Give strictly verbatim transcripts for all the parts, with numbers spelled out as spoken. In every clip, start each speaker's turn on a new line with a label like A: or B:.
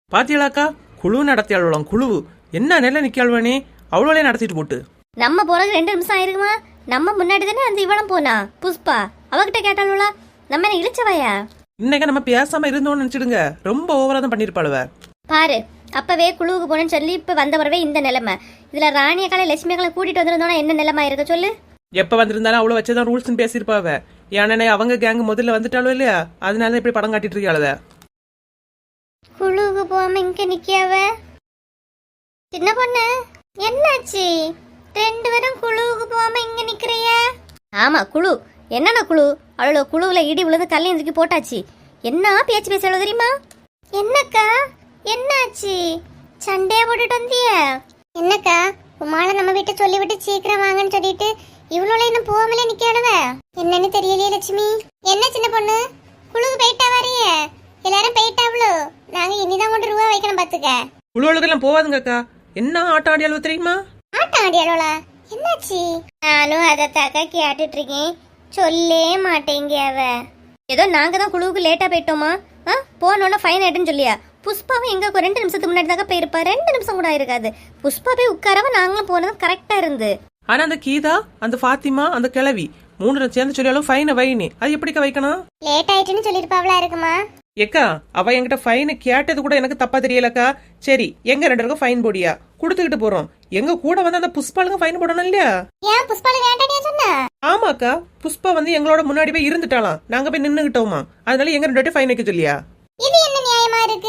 A: பாத்தியலாக்கா குழு நடத்தியாளம் குழு என்ன நெல்ல நிக்காள்வானே அவ்வளோலே நடத்திட்டு போட்டு
B: நம்ம போறது ரெண்டு நிமிஷம் ஆயிருக்குமா? நம்ம முன்னாடி தானே அந்த இவளும் போனா புஷ்பா, அவகிட்ட கேட்டாளுவா நம்ம என்ன இழிச்சவையா?
A: இன்னைக்கு நம்ம பேசாம இருந்தோம்னு நினைச்சிடுங்க, ரொம்ப ஓவரா தான் பண்ணிருப்பாளுவ.
B: பாரு, அப்பவே குழுவுக்கு போனேன்னு சொல்லி இப்ப வந்த வரவே இந்த நிலைமை. இதுல ராணியக்கால லட்சுமியக்கால கூட்டிட்டு வந்திருந்தோம்னா என்ன நிலைமை இருக்க சொல்லு.
A: எப்ப வந்திருந்தாலும் அவ்வளவு வச்சதான் ரூல்ஸ் பேசிருப்பாவ. ஏன்னா அவங்க கேங் முதல்ல வந்துட்டாலும் இல்லையா, அதனால இப்படி படம் காட்டிட்டு இருக்காளவ.
B: குழுவுக்கு போகாம இங்க நிக்காவ. சின்ன பொண்ணு என்னாச்சு? ரெண்டு பேரும் குழுவுக்கு போகாம இங்க நிக்கிறிய? ஆமா குழு. என்னன்னா குழு? அவ்வளோ குழுவுல இடி விழுந்து கல்லையும் தூக்கி போட்டாச்சு. என்ன பேச்சு பேச தெரியுமா? என்னக்கா என்னாச்சு? சண்டையா போட்டுட்டு வந்திய? என்னக்கா உமால நம்ம வீட்டை சொல்லி விட்டு சீக்கிரம் வாங்கன்னு சொல்லிட்டு இவ்வளோ இன்னும் போகாமலே நிக்காளுவ. என்னன்னு தெரியலையே லட்சுமி. என்ன சின்ன பொண்ணு, குழுக்கு போயிட்டா வரைய? எல்லாரும் போயிட்டாவளோ? நாங்க இனிதான் கொண்டு ரூபா வைக்கணும் பாத்துக்க.
A: குழுவுக்கு எல்லாம் போவாதுங்க அக்கா. என்ன ஆட்டம் ஆடியாளோ தெரியுமா?
B: ஆட்டம் ஆடியாளோளா? என்னாச்சு? நானும் அதை தாக்கா கேட்டுட்டு இருக்கேன், சொல்லே மாட்டேங்க அவ. ஏதோ நாங்க தான் குழுவுக்கு லேட்டா போயிட்டோமா? ஆ போனோன்னா ஃபைன் ஆயிட்டுன்னு சொல்லியா? புஷ்பாவும் எங்க ரெண்டு நிமிஷத்துக்கு முன்னாடி தாக்க போயிருப்பா. ரெண்டு நிமிஷம் கூட இருக்காது. புஷ்பா போய் உட்காரவ நாங்களும் போனது கரெக்டா இருந்து.
A: ஆனா அந்த கீதா, அந்த ஃபாத்திமா, அந்த கிழவி மூணு சேர்ந்து சொல்லியாலும் ஃபைனை வைனி. அது எப்படிக்கா வைக்கணும்?
B: லேட் ஆயிட்டுன்னு சொல்லிருப்பாவளா இருக்குமா?
A: ஏக்கா அவ என்கிட்ட ஃபைனை கேட்டது கூட எனக்கு தப்பா தெரியலக்கா. சரி எங்க ரெண்டு பேருக்கும் ஃபைன் போடியா குடுத்துக்கிட்டு போறோம். எங்க கூட வந்து அந்த புஷ்பாளுக்கு ஃபைன் போடணும் இல்லையா?
B: ஏன் புஷ்பாளு வேண்டானே சொன்னா?
A: ஆமாக்கா, புஷ்பா வந்து எங்களோட முன்னாடி போய் இருந்துட்டாலாம். நாங்க போய் நின்னுகிட்டோமா, அதனால எங்க ரெண்டு பேரும் ஃபைன் வைக்க சொல்லியா?
B: இது என்ன நியாயமா இருக்கு?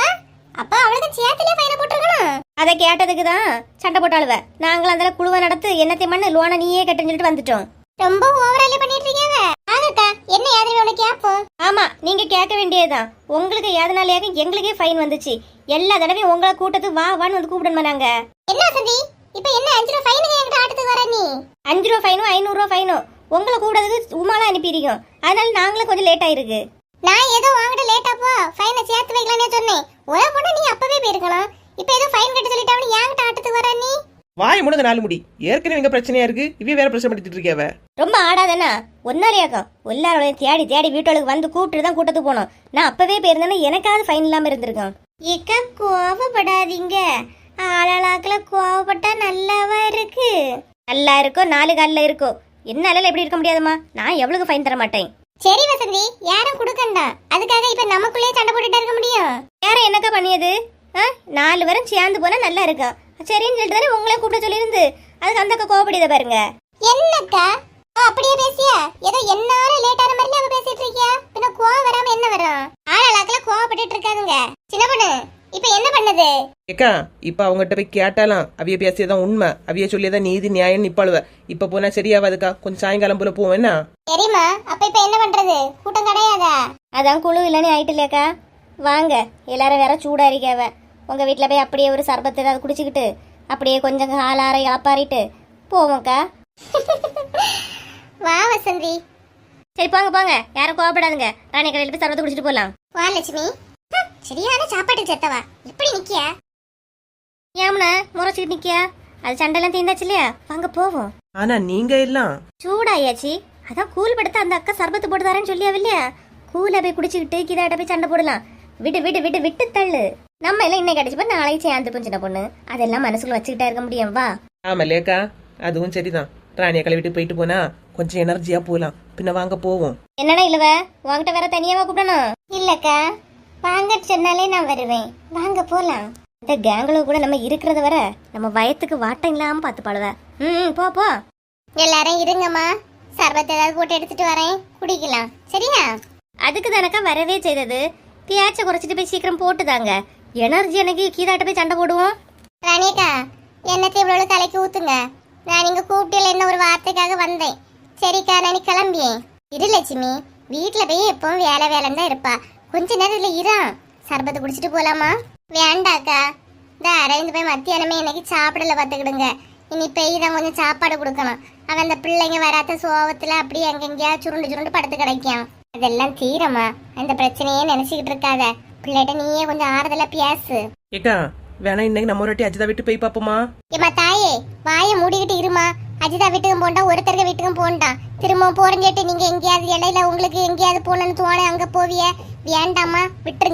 B: அப்ப அவளுக்கு சேத்துல ஃபைன் போட்டுருக்கணும். அத கேட்டதுக்கு தான் சண்டை போட்டாளுவ. நாங்களும் அந்த குழுவை நடத்து என்னத்தை மண்ணு லோனை நீயே கட்டுன்னு சொல்லிட்டு வந்துட்டோம். ரொம்ப ஓவராலே பண்ணிட்டு இருக்கீங்க. ஆகக்கா என்ன யாதனை உனக்கு கேப்போம்? ஆமா நீங்க கேட்க வேண்டியதுதான். உங்களுக்கு யாதனாலேயாக எங்களுக்கே ஃபைன் வந்துச்சு. எல்லா தடவையும் உங்களை கூட்டத்துக்கு வா வான்னு வந்து கூப்பிடணும் நாங்க. என்ன சந்தி இப்ப என்ன அஞ்சு ரூபா ஃபைனுக்கு என்கிட்ட ஆட்டத்துக்கு வர நீ? அஞ்சு ரூபா ஃபைனும் ஐநூறு ரூபா ஃபைனும் உங்களை கூடதுக்கு உமால அனுப்பிடுவோம். அதனால நாங்களும் கொஞ்சம் லேட் ஆயிருக்கு. நான் ஏதோ வாங்கிட்டு லேட்டா போ ஃபைனை சேர்த்து வைக்கலானே சொன்னேன். ஒரே பொண்ணு நீ அப்பவே போயிருக்கணும். இப்ப ஏதோ ஃபைன் கட்ட சொல்லிட்டாவனு என்கிட்ட ஆட்டத்துக்கு வர நீ?
A: வாய் முடுங்க நாலு முடி. ஏற்கனவே இங்க பிரச்சனையா இருக்கு, இவ வேற பிரச்சனை பண்ணிட்டு இருக்கியாவ.
B: ரொம்ப ஆடாதானா? ஒன்னாலியாக்கம் எல்லாரோடையும் தேடி தேடி வீட்டுக்கு வந்து கூப்பிட்டு தான் கூட்டத்துக்கு போனோம். நான் அப்பவே போயிருந்தேன்னா எனக்காவது ஃபைன் இல்லாம இருந்திருக்கேன். ஏக்கா கோவப்படாதீங்க. ஆளாளாக்கல கோவப்பட்டா நல்லாவா இருக்கு? நல்லா இருக்கோ நாலு காலில் இருக்கோ, என்னால எப்படி இருக்க முடியாதுமா? நான் எவ்வளவு ஃபைன் தர மாட்டேன். சரி வசந்தி, யாரும் கொடுக்கண்டா. அதுக்காக இப்ப நமக்குள்ளே சண்டை போட்டுட்டு இருக்க முடியும்? வேற என்னக்கா பண்ணியது? நாலு பேரும் சேர்ந்து போனா நல்லா இருக்கும். சரின்னு சொல்லிட்டு தானே உங்களே கூப்பிட சொல்லியிருந்து. அதுக்கு அந்த அக்கா கோவப்படியத பாருங்க. என்னக்கா அப்படியே பேசியா? ஏதோ என்னால லேட் ஆன மாதிரி அவ பேசிட்டு இருக்கியா? பின்ன கோவம் வராம என்ன வரும்? ஆளாளாக்கல கோவப்பட்டுட்டு இருக்காதுங்க. சின்ன பொண்ணு இப்ப என்ன பண்ணது?
A: ஏக்கா இப்ப அவங்ககிட்ட போய் கேட்டாலாம். அவிய பேசியதான் உண்மை, அவிய சொல்லியதான் நீதி நியாயம் நிப்பாளுவ. இப்ப போனா சரியாவாதுக்கா, கொஞ்சம் சாயங்காலம் போல போவோம். என்ன
B: சரிம்மா, அப்ப இப்ப என்ன பண்றது? கூட்டம் கிடையாதா? அதான் குழு இல்லன்னு ஆயிட்டு இல்லையாக்கா. வாங்க எல்லாரும் வேற சூடா இருக்காவ. உங்க வீட்டுல போய் அப்படியே ஒரு சர்பத்து ஏதாவது குடிச்சுக்கிட்டு அப்படியே கொஞ்சம் காலார இழப்பாரிட்டு போவோம்க்கா. வா வசந்தி. சரி போங்க போங்க, யாரும் கோவப்படாதுங்க. ராணி கடையில் போய் சர்பத்து குடிச்சிட்டு போலாம். வா லட்சுமி. சரியான சாப்பாடு சேர்த்தவா எப்படி நிக்கியா? ஏம்னா முறைச்சிட்டு நிக்கியா? அது சண்டைலாம் தீர்ந்தாச்சு இல்லையா? வாங்க போவோம்.
A: ஆனா நீங்க எல்லாம்
B: சூடாயாச்சு. அதான் கூல் படுத்த அந்த அக்கா சர்பத்து போட்டு தரேன்னு சொல்லியா இல்லையா? கூல போய் குடிச்சுக்கிட்டு கிதாட்ட போய் சண்டை போடலாம். விட்டு விட்டு விட்டு விட்டு தள்ளு. நம்ம எல்லாம் இன்னைக்கு அடிச்சு போய் நாளைக்கு சேர்ந்து போய் சின்ன பொண்ணு. அதெல்லாம் மனசுக்குள்ள வச்சுக்கிட்டா இருக்க முடியும். வா.
A: ஆமல்லேக்கா, அதுவும் சரிதான். ராணியை கழுவிட்டு போயிட்டு போனா கொஞ்சம் எனர்ஜியா போலாம். பின்ன வாங்க போவோம்.
B: என்னடா இல்லவ உங்ககிட்ட வேற தனியாவா கூப்பிடணும்? இல்லக்கா வாங்க சொன்னாலே நான் வருவேன். வாங்க போலாம். இந்த கேங்கில் கூட நம்ம இருக்கிறத வர நம்ம வயத்துக்கு வாட்டம் இல்லாம பார்த்து பாடுவ. ம் போ போ. எல்லாரும் இருங்கம்மா, சர்பத்தை ஏதாவது போட்டு எடுத்துட்டு வரேன், குடிக்கலாம். சரியா? அதுக்கு தானக்கா வரவே செய்தது. பியாச்சை குறைச்சிட்டு போய் சீக்கிரம் போட்டுதாங்க. எனர்ஜி எனக்கு கீதாட்ட போய் சண்டை போடுவோம். ராணியக்கா என்னத்தை இவ்வளவு தலைக்கு ஊத்துங்க. நான் இங்க கூப்பிட்டு என்ன ஒரு வார்த்தைக்காக வந்தேன். சரிக்கா நான் கிளம்பியேன். இரு லட்சுமி, வீட்டுல போய் எப்பவும் வேலை வேலைன்னு தான் இருப்பா. கொஞ்ச நேரத்துல இரா சர்பத்தை குடிச்சிட்டு போலாமா? வேண்டாக்கா, இந்த அரைந்து போய் மத்தியானமே இன்னைக்கு சாப்பிடல பார்த்துக்கிடுங்க. இனி பெய் தான் கொஞ்சம் சாப்பாடு கொடுக்கணும். அவன் அந்த பிள்ளைங்க வராத சோகத்துல அப்படியே அங்கெங்கயா சுருண்டு சுருண்டு படுத்து கிடைக்கும். அதெல்லாம் தீரமா, அந்த பிரச்சனையே நினைச்சுக்கிட்டு இருக்காத. பிள்ளைகிட்ட நீயே கொஞ்சம் ஆறுதலா பேசு.
A: ஏக்கா வேணா இன்னைக்கு நம்ம ஒரு வாட்டி அஜிதா வீட்டு போய் பாப்போமா?
B: ஏமா தாயே, வாயை மூடிக்கிட்டு இருமா. அஜிதா வீட்டுக்கும் போண்டா, ஒருத்தருக்கு வீட்டுக்கும் போண்டா. திரும்ப போறேன்னு நீங்க எங்கேயாவது இடையில உங்களுக்கு எங்கேயாவது போனன்னு தோண அங்க போவிய. வேண்டாமா, விட்டுருங்க.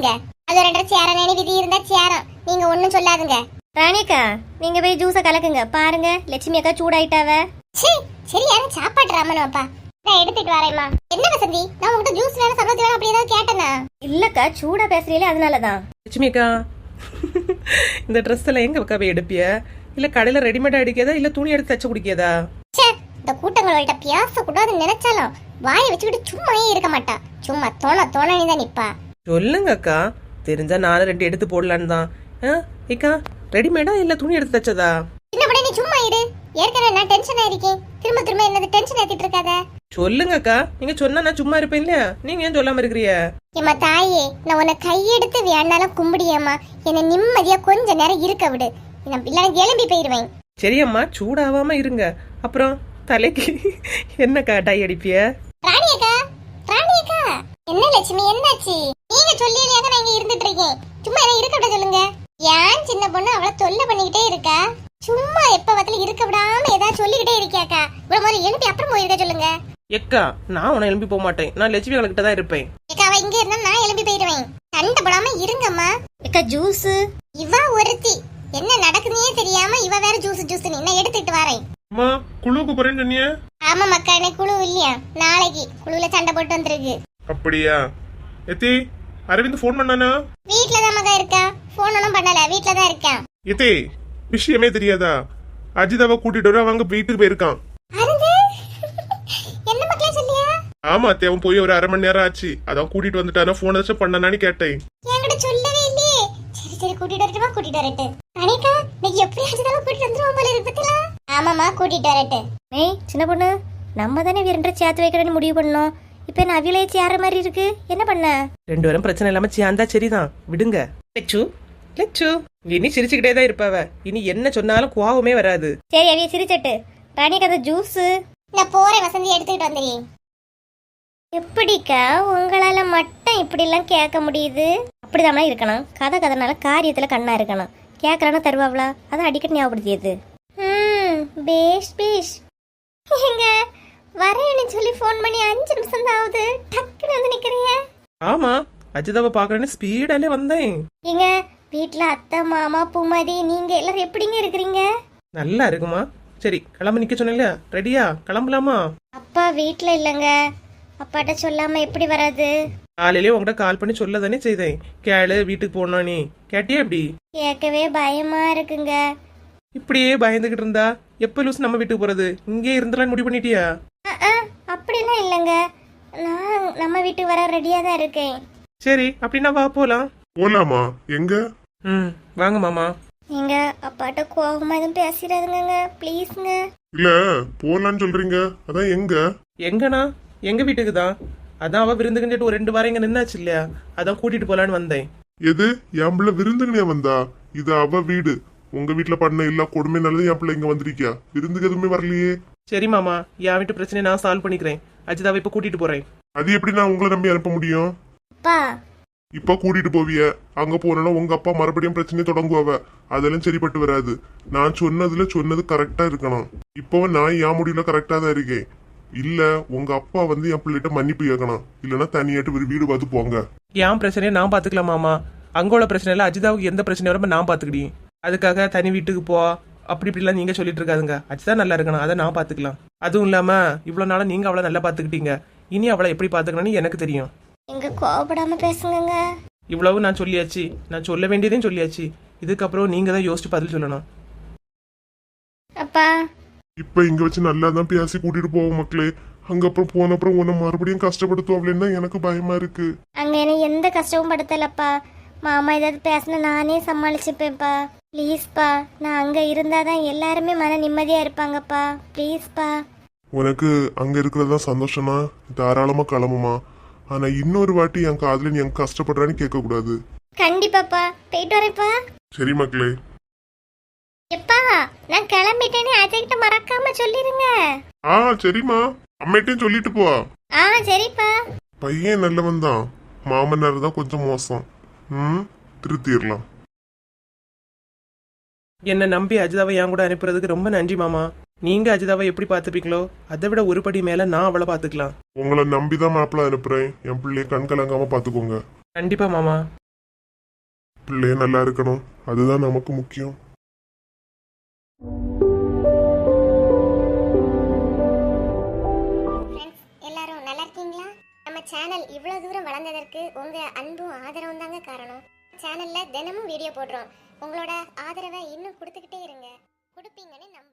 B: அது ரெண்டரை சேரம் நினை விதி இருந்தா சேரம், நீங்க ஒண்ணும் சொல்லாதுங்க. ராணிக்கா நீங்க போய் ஜூஸ கலக்குங்க, பாருங்க லட்சுமி அக்கா சூடாயிட்டாவ. சரியான சாப்பாடு ராமனப்பா, நான் எடுத்துட்டு வரேம்மா. என்ன வசந்தி, நான் உங்ககிட்ட ஜூஸ் வேணும் சர்பத் வேணும் அப்படி ஏதாவது கேட்டேனா? இல்லக்கா சூடா பேசுறீங்களே அதனாலதான்.
A: லட்சுமி அக்கா, இந்த ட்ரெஸ் எல்லாம் எங்க அக்கா போய் எடுப்பிய? இல்ல கடையில ரெடிமேடா அடிக்கதா இல்ல துணி எடுத்து தச்சு குடிக்கதா?
B: இந்த கூட்டங்களோட பேச கூடாதுன்னு நினைச்சாலும் வாயை வச்சுக்கிட்டு சும்மாயே இருக்க மாட்டா. சும்மா தோண தோணி தான் நிப்பா.
A: சொல்லுங்க அக்கா, தெரிஞ்சா நானும் ரெண்டு எடுத்து போடலான்னு தான். ஏக்கா ரெடிமேடா இல்ல துணி எடுத்து தச்சதா?
B: என்ன பண்ண நீ சும்மா இரு, ஏற்கனவே நான் டென்ஷன் ஆயிருக்கேன், திரும்ப திரும்ப என்னது டென்ஷன் ஏத்திட்டு இருக்காத.
A: சொல்லுங்க அக்கா, நீங்க சொன்னா நான் சும்மா இருப்பேன் இல்லையா? நீங்க ஏன் சொல்லாம இருக்கிறீங்க?
B: ஏமா தாயே, நான் உன்னை கையெடுத்து வேணாலும் கும்பிடியம்மா, என்ன நிம்மதியா கொஞ்ச நேரம் இருக்க விடு, நான் இல்லைன்னா எலும்பி போயிருவேன்.
A: சரியம்மா, சூடாவாம இருங்க. அப்புறம் தலைக்கு என்னக்கா டை அடிப்பிய?
B: ராணியக்கா, ராணியக்கா, என்ன லட்சுமி என்னாச்சு? நீங்க சொல்லியலையாக நான் இங்க இருந்துட்டு இருக்கேன், சும்மா என்ன இருக்க விட சொல்லுங்க. ஏன் சின்ன பொண்ணு அவளை தொல்லை பண்ணிக்கிட்டே இருக்கா? சும்மா எப்ப பத்தில இருக்க விடாம ஏதாவது சொல்லிக்கிட்டே இருக்கியாக்கா? இவ்வளவு முதல்ல எழுப்பி அப்புறம் போயிருக்க சொல்லுங்க.
A: எக்கா, நான் உன்னை எழுப்பி போக மாட்டேன், நான் லட்சுமி கிட்ட தான் இருப்பேன்.
B: ஏக்கா, அவ இங்க இருந்தா நான் எழுப்பி போயிருவேன், சண்டை போடாம இருங்கம்மா. ஏக்கா ஜூஸ், இவ ஒருத்தி என்ன நடக்குதுன்னே தெரியாம இவ வேற ஜூஸ் ஜூஸ் நான் எடுத்துட்டு வரேன்.
C: அம்மா, குழுவுக்கு போறேன்னு சொன்னியே?
B: ஆமா மக்கா, எனக்கு குழு இல்லையா, நாளைக்கு குழுல சண்டை போட்டு வந்திருக்கு.
C: அப்படியா? எத்தி, அரவிந்த் போன் பண்ணானா?
B: வீட்ல தான் மகா இருக்கா, போன் ஒன்னும் பண்ணல, வீட்ல தான் இருக்கேன்.
C: எத்தி, விஷயமே தெரியாதா? அஜிதாவை கூட்டிட்டு வர அவங்க வீட்டுக்கு போயிருக்கான்.
B: என்ன மக்களே சொல்லியா?
C: ஆமா அத்தி, அவன் போய் ஒரு அரை மணி நேரம் ஆச்சு, அதான் கூட்டிட்டு வந்துட்டானா, போன் ஏதாச்சும் பண்ணனான்னு கேட்டேன்.
B: என்கிட்ட சொல்லவே இல்லையே. சரி சரி, கூட்டிட்டு வரட்டுமா? கூட்டிட்டு வரட்டு. அனிகா, நீ எப்படி அஜிதாவை கூட்டிட்டு வந்துருவோம் போல இருக்கு பத்தியா? ஆமாமா, கூட்டிட்டு வரட்டு. ஏய் சின்ன பொண்ணு, நம்ம தானே வீரன்ற சேர்த்து வைக்கிறேன்னு முடிவு பண்ணோம், இப்ப நான் அவிலே சேர மாதிரி இருக்கு, என்ன பண்ண?
A: ரெண்டு பேரும் பிரச்சனை இல்லாம சேர்ந்தா சரிதான், விடுங்க. லட்சு லட்சு, இனி சிரிச்சுக்கிட்டே தான் இருப்பாவ, இனி என்ன சொன்னாலும் கோவமே வராது.
B: சரி அவிய சிரிச்சட்டு. ராணிக்கு அந்த ஜூஸ் நான் போறேன், வசந்தி எடுத்துக்கிட்டு வந்துடுறேன். எப்படிக்கா உங்களால மட்டும் இப்படி எல்லாம் கேட்க முடியுது? அப்படிதான் இருக்கணும், கதை கதைனால காரியத்துல கண்ணா இருக்கணும். கேட்கறானா தருவாங்களா, அதை அடிக்கடி ஞாபகப்படுத்தியது. ம் பேஷ் பேஷ். எங்க வரேன்னு சொல்லி போன் பண்ணி அஞ்சு நிமிஷம் தான் ஆகுது, டக்குன்னு வந்து நிக்கிறீங்க.
A: ஆமா, அஜிதாவை பாக்குறேன்னு ஸ்பீடாலே வந்தேன்.
B: எங்க வீட்டுல அத்தை மாமா பூமாரி நீங்க எல்லாரும் எப்படிங்க இருக்கிறீங்க?
A: நல்லா இருக்குமா? சரி கிளம்ப நிக்க சொன்னீங்க, ரெடியா? கிளம்பலாமா?
B: அப்பா வீட்டுல இல்லங்க, அப்பாட்ட சொல்லாம எப்படி வராது?
A: காலையிலேயே உங்ககிட்ட கால் பண்ணி சொல்ல தானே செய்தேன், கேளு வீட்டுக்கு போனோம். நீ கேட்டியா? எப்படி?
B: கேட்கவே பயமா இருக்குங்க.
A: இப்படியே பயந்துகிட்டு இருந்தா எப்ப லூஸ் நம்ம வீட்டுக்கு போறது? இங்கே இருந்தலாம் முடிவு பண்ணிட்டியா?
B: அப்படிலாம் இல்லைங்க, நான் நம்ம வீட்டுக்கு வர ரெடியா தான் இருக்கேன்.
A: சரி அப்படின்னா வா போலாம்.
C: போலாமா? எங்க?
A: ம் வாங்க மாமா.
B: நீங்க அப்பாட்ட கோவமா எதுவும் பேசிடாதுங்க ப்ளீஸ்ங்க.
C: இல்ல போலான்னு சொல்றீங்க, அதான் எங்க?
A: எங்கண்ணா? எங்க வீட்டுக்கு தான். அதான் அவ விருந்துக்கிட்டு ஒரு ரெண்டு வாரம் இங்க நின்னாச்சு இல்லையா, அதான் கூட்டிட்டு போலான்னு வந்தேன்.
C: எது என் பிள்ளை விருந்துங்கனே வந்தா? இது அவ வீடு, உங்க வீட்டுல பண்ண எல்லா கொடுமை நல்லது என் பிள்ளை இங்க வந்திருக்கியா? விருந்துக்கு எதுவுமே வரலையே.
A: சரி மாமா, என் வீட்டு பிரச்சனையை நான் சால்வ் பண்ணிக்கிறேன். அஜிதாவை இப்ப கூட்டிட்டு போறேன்.
C: அது எப்படி நான் உங்களை நம்பி அனுப்ப முடியும்?
B: அப்பா
C: இப்ப கூட்டிட்டு போவிய, அங்க போனா உங்க அப்பா மறுபடியும் பிரச்சனையை தொடங்குவாவ, அதெல்லாம் சரிப்பட்டு வராது. நான் சொன்னதுல சொன்னது கரெக்டா இருக்கணும். இப்பவும் நான் என் முடிவுல கரெக்டா தான் இருக்கேன். இல்ல உங்க அப்பா வந்து என் பிள்ளைகிட்ட மன்னிப்பு கேட்கணும், இல்லன்னா தனியாட்டு ஒரு வீடு பார்த்து போங்க.
A: என் பிரச்சனையை நான் பாத்துக்கலாம் மாமா, அங்கோட பிரச்சனை இல்ல. அஜிதாவுக்கு எந்த பிரச்சனை வராம நான் பாத்துக்கிட்டேன். அதுக்காக தனி வீட்டுக்கு போ அப்படி இப்படிலாம் நீங்க சொல்லிட்டு இருக்காதுங்க. அஜிதா நல்லா இருக்கணும், அதை நான் பாத்துக்கலாம். அதுவும் இல்லாம இவ்வளவு நாளா நீங்க அவளை நல்லா பாத்துக்கிட்டீங்க, இனி அவளை எப்படி பாத்துக்கணும்னு எனக்கு தெரியும்.
B: எங்க கோபப்படாம பேசுங்க.
A: இவ்வளவு நான் சொல்லியாச்சு, நான் சொல்ல வேண்டியதையும் சொல்லியாச்சு. இதுக்கப்புறம் நீங்க தான் யோசிச்சு பதில் சொல்லணும்.
B: அப்பா
C: இப்ப இங்க வச்சு நல்லா தான் பேசி கூட்டிட்டு போவோம் மக்களே. அங்க அப்புறம் போன அப்புறம் உன்னை மறுபடியும் கஷ்டப்படுத்துவாங்களேன்னு எனக்கு பயமா இருக்கு.
B: அங்க என்ன எந்த கஷ்டமும் படுத்தலப்பா, மாமா ஏதாவது பேசினா நானே சமாளிச்சுப்பேன்ப்பா. ப்ளீஸ்ப்பா, நான் அங்க இருந்தாதான் எல்லாருமே மன நிம்மதியா இருப்பாங்கப்பா, ப்ளீஸ்ப்பா.
C: உனக்கு அங்க இருக்கிறதா சந்தோஷமா, தாராளமா கிளம்புமா. ஆனா இன்னொரு வாட்டி என் காதுல நீ எங்க கஷ்டப்படுறான்னு கேட்க கூடாது.
B: கண்டிப்பாப்பா, போயிட்டு வரேன்ப்பா.
C: சரி மக்களே.
B: எப்பா நான் கிளம்பிட்டேன்னு அஜய் கிட்ட மறக்காம சொல்லிருங்க.
C: ஆ சரிம்மா, அம்மைட்டையும் சொல்லிட்டு போ.
B: ஆ சரிப்பா.
C: பையன் நல்லவன் தான், மாமனார் தான் கொஞ்சம் மோசம். ம் திருத்திடலாம்.
A: என்னை நம்பி அஜிதாவை என் கூட அனுப்புறதுக்கு ரொம்ப நன்றி மாமா. நீங்க அஜிதாவை எப்படி பாத்துப்பீங்களோ அதை விட ஒரு படி மேல நான் அவளை பாத்துக்கலாம்.
C: உங்களை நம்பிதான் மாப்பிள்ள அனுப்புறேன், என் பிள்ளைய கண் கலங்காம பாத்துக்கோங்க.
A: கண்டிப்பா மாமா.
C: பிள்ளைய நல்லா இருக்கணும், அதுதான் நமக்கு முக்கியம்.
B: ஃப்ரெண்ட்ஸ் எல்லாரும் நல்லா இருக்கீங்களா? நம்ம சேனல் இவ்வளவு தூரம் வளர்ந்ததற்கு உங்க அன்பும் ஆதரவும் தாங்க காரணம். சேனல்ல தினமும் வீடியோ போடுறோம். உங்களோட ஆதரவை இன்னும் கொடுத்துக்கிட்டே இருங்க. கொடுப்பீங்கன்னு நம்ப